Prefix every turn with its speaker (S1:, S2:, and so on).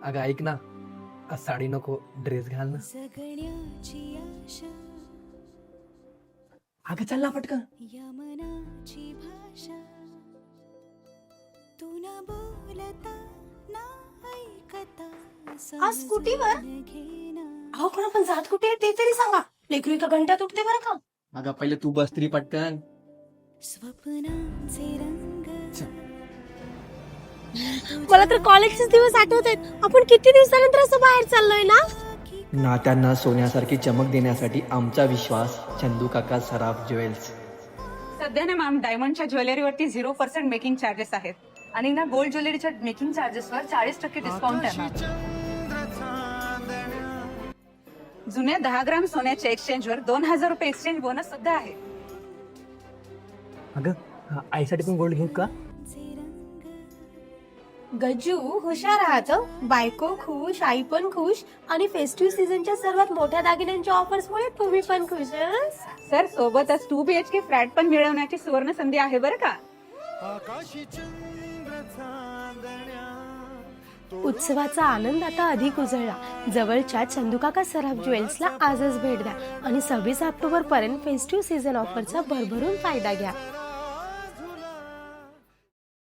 S1: अगं ऐक ना, आज साडी नको, ड्रेस घाल ना.
S2: जगण्याची आशा
S1: अगं चल ना पटकन.
S2: या मनाची भाषा तू न बोलता ना ऐकता
S3: आज स्कूटीवर?
S2: समजून घेना.
S3: अहो पण आपण जात कुठे आहे ते तरी सांगा. लेकरू एका घंट्यात उठते बरं का.
S1: अगं पहिले तू बस तरी पटकन.
S2: स्वप्नांचे रंग
S3: मला तर कॉलेजचे दिवस आठवत आहेत. आपण किती दिवसानंतर असं बाहेर चाललोय ना.
S1: नात्यांना सोन्यासारखी चमक देण्यासाठी आमचा विश्वास चंदू काका सराफ ज्वेल्स.
S4: सध्या ना मॅम डायमंडच्या ज्वेलरीवरती 0% मेकिंग चार्जेस आहेत आणि ना गोल्ड ज्वेलरीच्या मेकिंग चार्जेसवर 40% डिस्काउंट आहे मॅम. जुन्या 10 ग्राम सोन्याच्या एक्सचेंजवर 2000 रुपये एक्सचेंज बोनस सुद्धा आहे.
S1: अगं आईसाठी पण गोल्ड घेऊ का?
S3: गजू हुशार आहात हं. बायको खुश, आई पण खुश आणि फेस्टिव्ह सीझनच्या सर्वात मोठ्या दागिन्यांच्या ऑफर्स मुळे तुम्ही पण खुश हं?
S4: सर सोबतच 2 BHK फ्लॅट पण मिळवण्याची सुवर्ण संधी आहे बरं का.
S3: उत्सवाचा आनंद आता अधिक उजळला. जवळच्या चंदूकाका सराफ ज्वेल्सला आजच भेट द्या आणि 26 ऑक्टोबर पर्यंत फेस्टिव्ह सीझन ऑफरचा भरभरून फायदा घ्या.